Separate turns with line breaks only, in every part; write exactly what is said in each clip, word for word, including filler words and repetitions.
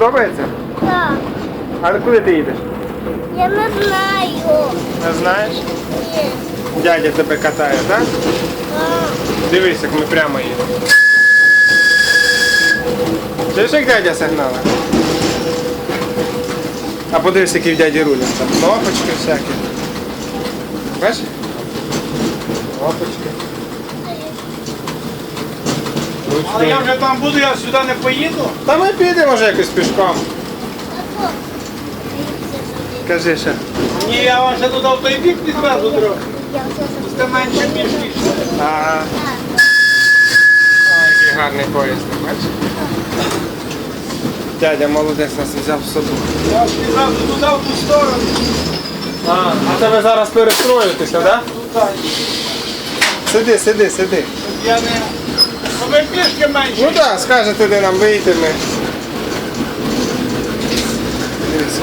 Подобається?
Так.
А куди ти їдеш?
Я не знаю.
Не знаєш?
Ні.
Дядя тебе катає, так?
Так.
Дивись, як ми прямо їдемо. Чуєш, як дядя сигнали? А подивись, які в дяді рулі. Там кнопочки всякі. Бачиш? Кнопочки.
Але я вже там буду, я сюди не поїду.
Та ми підемо вже якось пішком. Кажи ще.
Ні, я вам ще туди в той бік підвезу трохи.
Я вже
Це менше пішки.
Ага. Ой, який гарний поїзд, бачиш? Дядя молодець нас взяв з собою.
Я ж відразу туди, в ту сторону.
А, а це ви зараз перестроїтеся, так? Да?
Туди.
Сиди, сиди, сиди.
Я не... Ну, ми пішки менше.
Ну так, скажете, де нам вийти ми. Дивіться.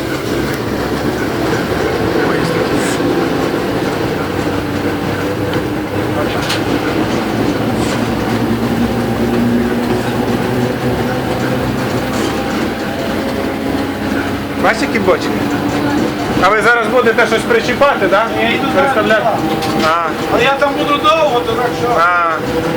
Бачите, які бочки? А ви зараз будете щось причіпати, так? Да?
Я йду
Переставляти?
зараз.
А,
Але я там буду довго, то так що.
а.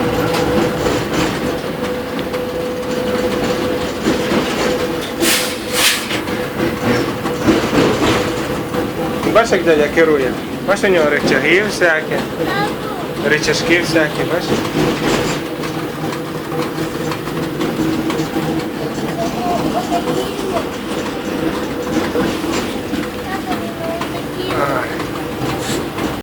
Бачиш, як дядя керує? Бачиш, у нього рычаги всякі, рычажки всякі, бачиш?